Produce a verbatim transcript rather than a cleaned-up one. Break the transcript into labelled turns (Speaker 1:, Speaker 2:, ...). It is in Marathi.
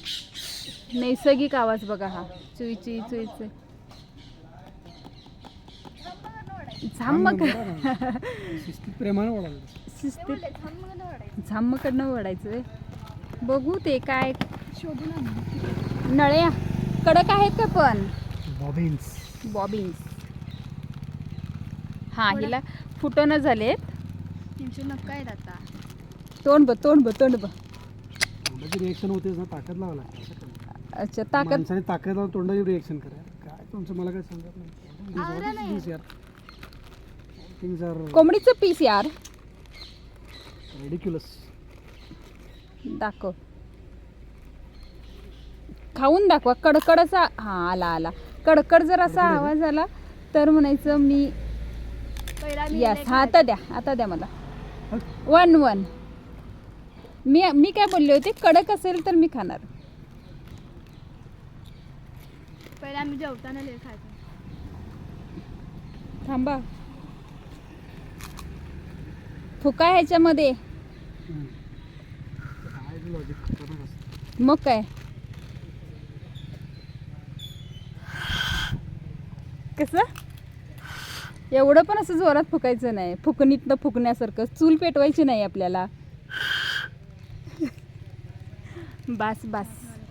Speaker 1: नैसर्गिक आवाज बघा हा, चुई चुई चुई चुई. झाम्म
Speaker 2: शिस्तीत प्रेमानं ओढायचं.
Speaker 1: शिस्तीत झाम्मकडनं ओढायचं. बघू ते काय
Speaker 3: शोधून
Speaker 1: नळ्या कडक आहेत का पण.
Speaker 2: बॉबिन्स.
Speaker 1: बॉबिन्स. हा हिला फुटणं झालेत.
Speaker 3: त्यांचे नक्का आहेत आता.
Speaker 1: तोंड ब तोंड ब तोंड ब
Speaker 2: तोंडाची रिएक्शन होते ना, ताकद लावा लागते.
Speaker 1: अच्छा ताकद.
Speaker 2: माणसाने ताकद लावून तोंडाची रिएक्शन करा. काय तुमचं मला काय समजत नाही. थिंग्स आर
Speaker 1: कोंबडीचं पीस यार.
Speaker 2: रिडिक्युलस.
Speaker 1: दाखव. खाऊन दाखवा. कडकडचा हा आला आला. कडकड जर असा आवाज आला तर म्हणायचं मी
Speaker 3: पहिला मी
Speaker 1: यस. हा आता द्या, आता द्या मला. One one. मी मी काय बोलले होते, कडक असेल तर मी खाणार.
Speaker 3: पहिला आम्ही जेवताना लय खायचो.
Speaker 1: थांबा. फुका ह्याच्यामध्ये. मग काय कसं एवढं पण असं जोरात फुकायचं नाही. फुकणीतनं फुकण्यासारखं. चूल पेटवायची नाही आपल्याला. बास बास.